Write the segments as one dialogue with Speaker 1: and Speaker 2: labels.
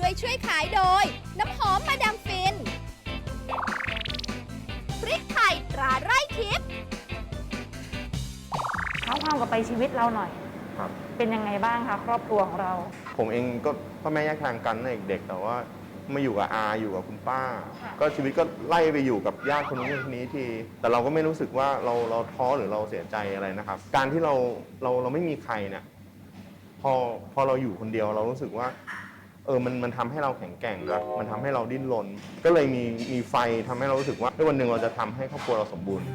Speaker 1: ช่วยขายโดย น้ำหอมมาดามฟิน พริกไทยตราไร่ทิพย์
Speaker 2: เท้าความกับไปชีวิตเราหน่อย
Speaker 3: ครับ
Speaker 2: เป็นยังไงบ้างคะครอบครัวของเรา
Speaker 3: ผมเองก็พ่อแม่แยกทางกันตั้งแต่เด็กๆแต่ว่ามาอยู่กับอาอยู่กับคุณป้า
Speaker 2: ค่ะ
Speaker 3: ก็ชีวิตก็ไล่ไปอยู่กับญาติคนนู้นคนนี้ที แต่เราก็ไม่รู้สึกว่าเราท้อหรือเราเสียใจอะไรนะครับ การที่เราไม่มีใครเนี่ยพอเราอยู่คนเดียวเรารู้สึกว่ามันทำให้เราแข็งแกร่งแล้วมันทำให้เราดิ้นรนก็เลยมีไฟทำให้เรารู้สึกว่าวันหนึ่งเราจะทำให้ครอบครัวเราสมบูรณ์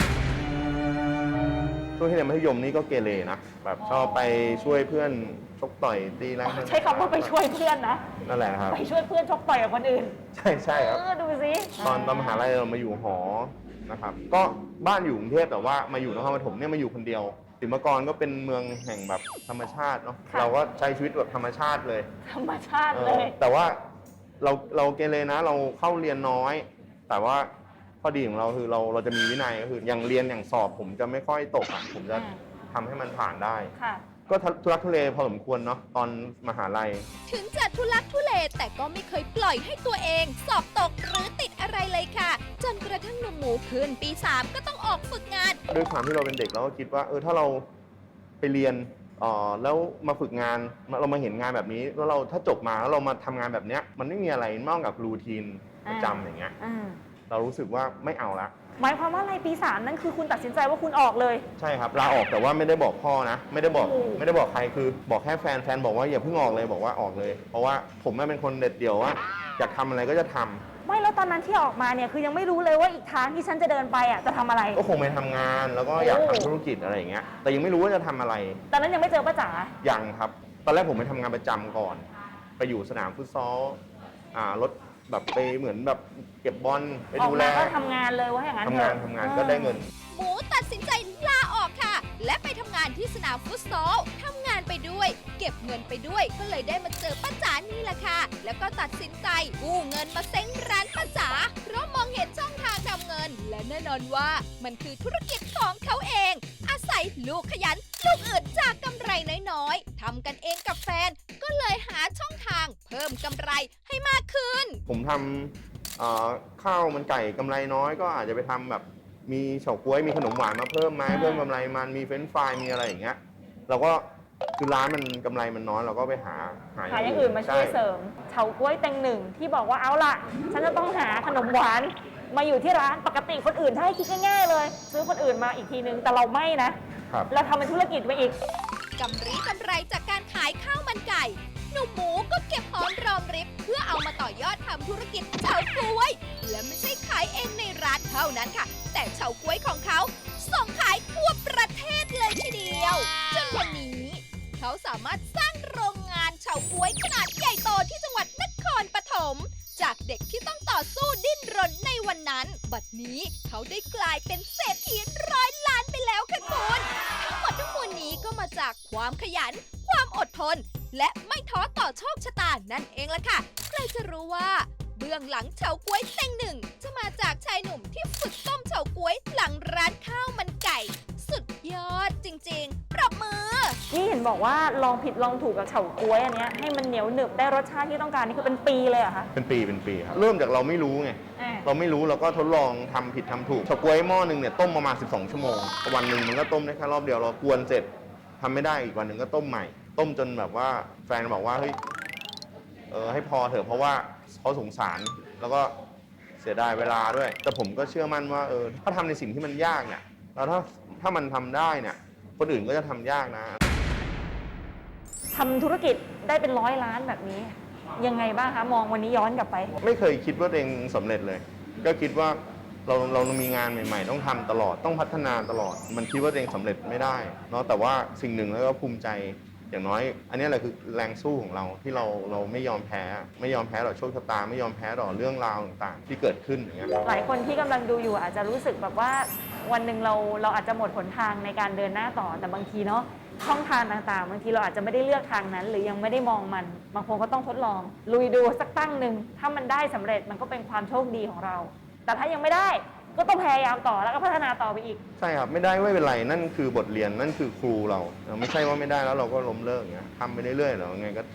Speaker 3: ช่วงที่เรียนมัธยมนี่ก็เกเรนะแบบชอบไปช่วยเพื่อนชกต่อยตีแรง
Speaker 2: ใช้คำว่าไปช่วยเพื่อนนะ
Speaker 3: นั่นแหละครับ
Speaker 2: ไปช่วยเพื่อนชกต่อยกับคนอื่น
Speaker 3: ใช่ครับ
Speaker 2: ดูสิ
Speaker 3: ตอนมหาลัยเรามาอยู่หอนะครับก็บ้านอยู่กรุงเทพแต่ว่ามาอยู่นครปฐมเนี่ยมาอยู่คนเดียวศิลปากรก็เป็นเมืองแห่งแบบธรรมชาติเนาะเราก็ใช้ชีวิตแบบธรรมชาติเลย
Speaker 2: ธรรมชาติเลย
Speaker 3: แต่ว่าเราเกเรนะเราเข้าเรียนน้อย แต่ว่าข้อดีของเราคือเราจะมีวินัยก็คืออย่างเรียนอย่างสอบผมจะไม่ค่อยตกผมจะทำให้มันผ่านได้
Speaker 2: ค่ะ
Speaker 3: ก็ทุรักทุเลพอสมควรเนาะตอนมหาลัย
Speaker 1: ถึงจะทุลักทุเลแต่ก็ไม่เคยปล่อยให้ตัวเองสอบตกหรือติดอะไรเลยค่ะ จนกระทั่งหนุ่มหมูขึ้นปี 3 ก็ต้องออกฝึกงาน
Speaker 3: ด้วยความที่เราเป็นเด็กเราก็คิดว่าถ้าเราไปเรียนแล้วมาฝึกงานเรามาเห็นงานแบบนี้แล้วเราถ้าจบมาแล้วเรามาทำงานแบบเนี้ยมันไม่มีอะไรนอกจากรูทีนประจำอย่างเงี้ยเรารู้สึกว่าไม่เอาละ
Speaker 2: หมายความว่าอะไรปี3นั่นคือคุณตัดสินใจว่าคุณออกเลย
Speaker 3: ใช่ครับลาออกแต่ว่าไม่ได้บอกพ่อนะไม่ได้บอก
Speaker 2: โอ้
Speaker 3: ไม่ได้บอกใครคือบอกแค่แฟนบอกว่าอย่าเพิ่งออกเลยบอกว่าออกเลย เพราะว่าผมเป็นคนเด็ดเดี่ยวว่าอยากทำอะไรก็จะทำ
Speaker 2: ไม่แล้วตอนนั้นที่ออกมาเนี่ยคือยังไม่รู้เลยว่าอีกทางที่ฉันจะเดินไปอ่ะจะทำอะไร
Speaker 3: ก็คงไปทำงานแล้วก็อยากทำธุรกิจอะไรอย่างเงี้ยแต่ยังไม่รู้ว่าจะทำอะไร
Speaker 2: ตอนนั้นยังไม่เจอป้าจ๋า
Speaker 3: ยังครับ ตอนแรกผมไปทำงานประจำก่อน ไปอยู่สนามฟุตซอลรถแบบไปเหมือนแบบเก็บบอลไป
Speaker 2: ออก
Speaker 3: ดูแล
Speaker 2: มาก็ทำงานเลยว่าอย่างนั้น
Speaker 3: ทำงาน
Speaker 2: เถอะ
Speaker 3: ทำงานก็ได้เงิน
Speaker 1: หมูตัดสินใจลาออกค่ะ และไปทำงานที่สนามฟุตซอลทำงานไปด้วย เก็บเงินไปด้วย ก็เลยได้มาเจอป้าจ๋านี่แหละค่ะ แล้วก็ตัดสินใจกู้เงินมาเซ้งร้านป้าจ๋าเพราะมองเห็นช่องทางทำเงิน และแน่นอนว่ามันคือธุรกิจของเขาเอง อาศัยลูกขยัน ลูกอึดจากกำไรน้อยๆทำกันเองกับแฟน ก็เลยหาช่องทางเพิ่มกำไรให้มากขึ้น
Speaker 3: ผมทำข้าวมันไก่กำไรน้อยก็อาจจะไปทำแบบมีเฉาก๊วยมีขนมหวานมาเพิ่มไหมเพิ่มกำไรมันมีเฟรนช์ฟรายมีอะไรอย่างเงี้ยเราก็คือร้านมันกำไรมันน้อยเราก็ไปหา
Speaker 2: หาอย่างอื่นมาช่วยเสริมเฉาก๊วยเต็งหนึ่งที่บอกว่าเอาล่ะ ฉันจะต้องหาขนมหวานมาอยู่ที่ร้านปกติคนอื่นถ้าให้คิดง่ายๆเลย ซื้อคนอื่นมาอีกทีนึงแต่เราไม่นะครับ เราทำเป็นธุรกิจไปอีก
Speaker 1: กำไรจากการขายข้าวมันไก่ หนุ่มหมูก็เก็บหอมรอมริบเพื่อเอามาต่อยอดทำธุรกิจเฉาก๊วย และไม่ใช่ขายเองในร้านเท่านั้นค่ะ แต่เฉาก๊วยของเขาส่งขายทั่วประเทศเลยทีเดียว จนวันนี้ เขาสามารถสร้างโรงงานเฉาก๊วยขนาดใหญ่โตที่จังหวัดนครปฐมจากเด็กที่ต้องต่อสู้ดิ้นรนในวันนั้น บัดนี้เขาได้กลายเป็นเศรษฐีร้อยล้านไปแล้วค่ะคุณทั้งหมดทั้งมวลนี้ก็มาจากความขยัน ความอดทน และไม่ท้อต่อโชคชะตานั่นเองล่ะค่ะ ใครจะรู้ว่า เบื้องหลังเฉาก๊วยเต็งหนึ่งจะมาจากชายหนุ่มที่ฝึกต้มเฉาก๊วยหลังร้านข้าวมันไก่ สุดยอดจริงๆ ปรบมือ
Speaker 2: นี่เห็นบอกว่าลองผิดลองถูกกับเฉาก๊วยอันเนี้ยให้มันเหนียวหนึบได้รสชาติที่ต้องการนี่คือเป็นปีเลยเหรอะคะ
Speaker 3: เป็นปีครับเริ่มจากเราไม่รู้ไงเราไม่รู้เราก็ทดลองทำผิดทำถูกเฉาก๊วยหม้อหนึ่งเนี่ยต้มประมาณ12 ชั่วโมงวันหนึ่งมันก็ต้มได้แค่รอบเดียวเรากวนเสร็จทำไม่ได้อีกวันหนึ่งก็ต้มใหม่ ต้มจนแบบว่าแฟนบอกว่าเฮ้ยให้พอเถอะเพราะว่าเขาสงสารแล้วก็เสียดายเวลาด้วย แต่ผมก็เชื่อมั่นว่าถ้าทำในสิ่งที่มันยากเนี่ยแล้วถ้ามันทำได้เนี่ยคนอื่นก็จะทำยากนะ
Speaker 2: ทำธุรกิจได้เป็น100 ล้านแบบนี้ ยังไงบ้างคะมองวันนี้ย้อนกลับไป
Speaker 3: ไม่เคยคิดว่าตัวเองสำเร็จเลย ก็คิดว่าเรามีงานใหม่ๆ ต้องทำตลอดต้องพัฒนาตลอด มันคิดว่าตัวเองสำเร็จไม่ได้เนาะแต่ว่าสิ่งหนึ่งแล้วก็ภูมิใจอย่างน้อย อันนี้แหละคือแรงสู้ของเราที่เราไม่ยอมแพ้ต่อโชคชะตาไม่ยอมแพ้ต่อเรื่องราวต่างๆ ที่เกิดขึ้นอย่างเงี้ย
Speaker 2: หลายคนที่กำลังดูอยู่อาจจะรู้สึกแบบว่าวันหนึ่งเราอาจจะหมดหนทางในการเดินหน้าต่อแต่บางทีเนาะช่องทางต่างๆบางทีเราอาจจะไม่ได้เลือกทางนั้น หรือยังไม่ได้มองมันบางคนก็ต้องทดลองลุยดูสักตั้งหนึ่งถ้ามันได้สำเร็จมันก็เป็นความโชคดีของเรา แต่ถ้ายังไม่ได้ก็ต้องพยายามต่อแล้วก็พัฒนาต่อไปอีก
Speaker 3: ใช่ครับไม่ได้ไม่เป็นไรนั่นคือบทเรียนนั่นคือครูเราไม่ใช่ว่าไม่ได้แล้วเราก็ล้มเลิกอย่างเงี้ยทำไปเรื่อยๆแล้วไงก็เจอ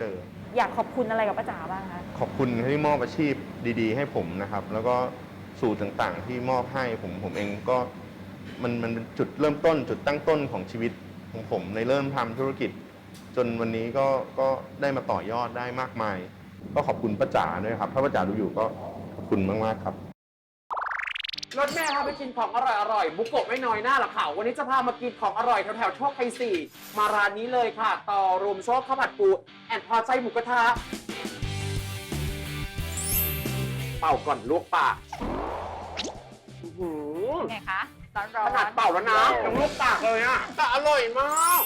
Speaker 2: อยากขอบคุณอะไรกับป้าจ๋าบ้างคะ
Speaker 3: ขอบคุณที่มอบอาชีพดีๆ ให้ผมนะครับ แล้วก็สูตรต่างๆ ที่มอบให้ผมเองก็มันเป็นจุดเริ่มต้น จุดตั้งต้นของชีวิตของผมในเริ่มทำธุรกิจ จนวันนี้ก็ได้มาต่อยอดได้มากมาย ก็ขอบคุณป้าจ๋าด้วยครับ ถ้าป้าจ๋าดูอยู่ก็ขอบคุณมากๆครับ
Speaker 4: รถแม่พาไปกินของอร่อยๆบุกโกะไม่น้อยหน้าหรอกค่ะวันนี้จะพามากินของอร่อยแถวๆโชคชัย4มาร้านนี้เลยค่ะ ต่อรวมโชคข้าวผัดปูแอนพอใจหมูกระทะเป่าก่อนลวกปากอื้อหือ
Speaker 5: ไงคะร้อน
Speaker 4: ขนาดเป่าแล้วนะยังลวกปากเลยอ่ะแต่อร่อยมาก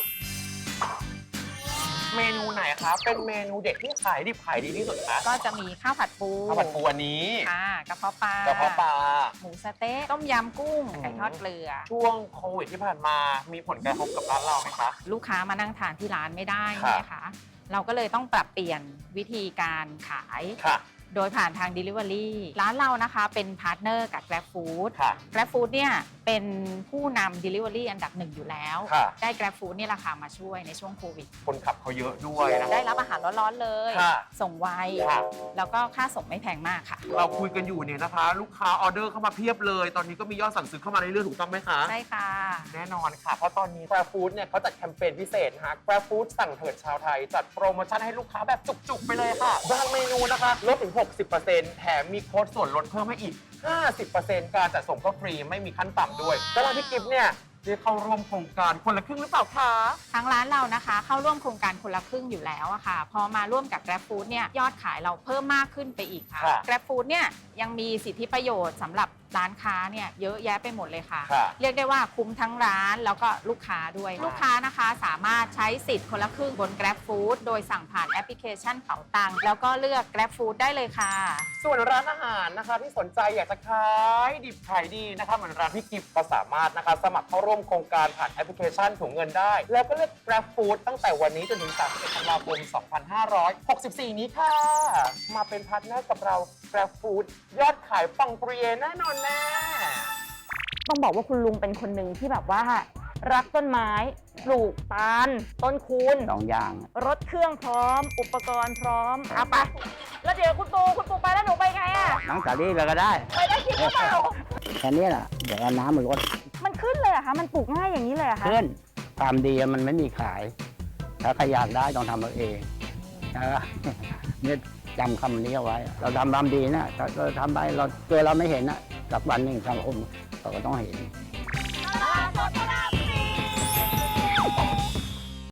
Speaker 4: เมนูไหนคะเป็นเมนูเด็กที่ขายดิบขายดีที่สุดคะ
Speaker 5: ก็จะมีข้าวผัดปู
Speaker 4: ข้าวผัดปูอันนี้
Speaker 5: ค่ะกระเพาะปลาก
Speaker 4: ระเพาะปลา
Speaker 5: หมูสะเต๊ะต้มยำกุ้งไก่ทอดเกลือ
Speaker 4: ช่วงโควิดที่ผ่านมามีผลกระทบกับร้านเราไหมคะ
Speaker 5: ลูกค้ามานั่งทานที่ร้านไม่ได้
Speaker 4: ค่ะ
Speaker 5: นะคะเราก็เลยต้องปรับเปลี่ยนวิธีการขาย
Speaker 4: ค่ะ
Speaker 5: โดยผ่านทาง Delivery ร้านเรานะคะเป็นพาร์ทเนอร์กับ Grab Food
Speaker 4: ค่ะ
Speaker 5: Grab Food เนี่ยเป็นผู้นำ Delivery อันดับหนึ่งอยู่แล้ว
Speaker 4: ค่ะ
Speaker 5: ได้ Grab Food นี่แหละค่ะมาช่วยในช่วงโควิด
Speaker 4: คนขับเขาเยอะด้วยนะ
Speaker 5: ได้รับอาหารร้อนๆเลย
Speaker 4: ค่ะ
Speaker 5: ส่งไว
Speaker 4: ค่ะ
Speaker 5: แล้วก็ค่าส่งไม่แพงมากค่ะ
Speaker 4: เราคุยกันอยู่เนี่ยนะคะ ลูกค้าออเดอร์เข้ามาเพียบเลย ตอนนี้ก็มียอดสั่งซื้อเข้ามาเรื่อยๆถูกต้องไหมคะ
Speaker 5: ใช่ค่ะ
Speaker 4: แน่นอนค่ะ เพราะตอนนี้ Grab Food เนี่ยเขาจัดแคมเปญพิเศษนะคะ Grab Food สั่งเถิดชาวไทย จัดโปรโมชั่นให้ลูกค้าแบบจุกๆ ไปเลยค่ะบางเมนูนะคะลดถึง 60%แถมมีโค้ดส่วนลดเพิ่มให้อีก 50% การจัดส่งก็ฟรีไม่มีขั้นต่ำด้วยแล้วร้านพี่กิฟต์เนี่ยได้เข้าร่วมโครงการคนละครึ่งหรือเปล่าคะ
Speaker 5: ทางร้านเรานะคะเข้าร่วมโครงการคนละครึ่งอยู่แล้วอะค่ะ พอมาร่วมกับ Grab Food เนี่ยยอดขายเราเพิ่มมากขึ้นไปอีกค่ะ
Speaker 4: ค่ะ
Speaker 5: Grab Food เนี่ยยังมีสิทธิประโยชน์สำหรับร้านค้าเนี่ยเยอะแยะไปหมดเลยค่ะ
Speaker 4: ค่ะ
Speaker 5: เรียกได้ว่าคุ้มทั้งร้านแล้วก็ลูกค้าด้วย ลูกค้านะคะสามารถใช้สิทธิ์คนละครึ่งบน Grab Food โดยสั่งผ่านแอปพลิเคชันเป๋าตังค์แล้วก็เลือก Grab Food ได้เลยค่ะ
Speaker 4: ส่วนร้านอาหารนะคะที่สนใจอยากจะขายดิบขายดีนะคะเหมือนร้านพี่กิฟต์ก็สามารถนะคะสมัครเข้าร่วมโครงการผ่านแอปพลิเคชันถุงเงินได้ แล้วก็เลือก Grab Food ตั้งแต่วันนี้จนถึง31ธันวาคม 2564 นี้ค่ะ มาเป็นพาร์ทเนอร์กับเรา Grab Food ยอดขายปังปรีเยแน่นอนแน่
Speaker 2: ต้องบอกว่าคุณลุงเป็นคนหนึ่งที่แบบว่า รักต้นไม้ปลูกตาลต้นคูณ
Speaker 6: 2 อย่าง
Speaker 2: รถเครื่องพร้อม อุปกรณ์พร้อมเอาไป แล้วเดี๋ยวคุณปูไปแล้วหนูไปไงอะ
Speaker 6: น้องสาลี่เลยก็ได้
Speaker 2: ไปได้จริงหรือเปล่า
Speaker 6: แค่นี้แหละเดี๋ยวเอาน้ำมันลด
Speaker 2: มันขึ้นเลยเหรอะคะมันปลูกง่ายอย่างนี้เลยเหรอะคะ
Speaker 6: ขึ้นความดีมันไม่มีขาย ถ้าใครอยากได้ต้องทำเอาเองนะ เนี่ยจำคำนี้เอาไว้ เราทำความดีนะถ้าเราทำไปเราตัวเราไม่เห็นนะสักวันหนึ่งสังคมเขาก็ต้องเห็น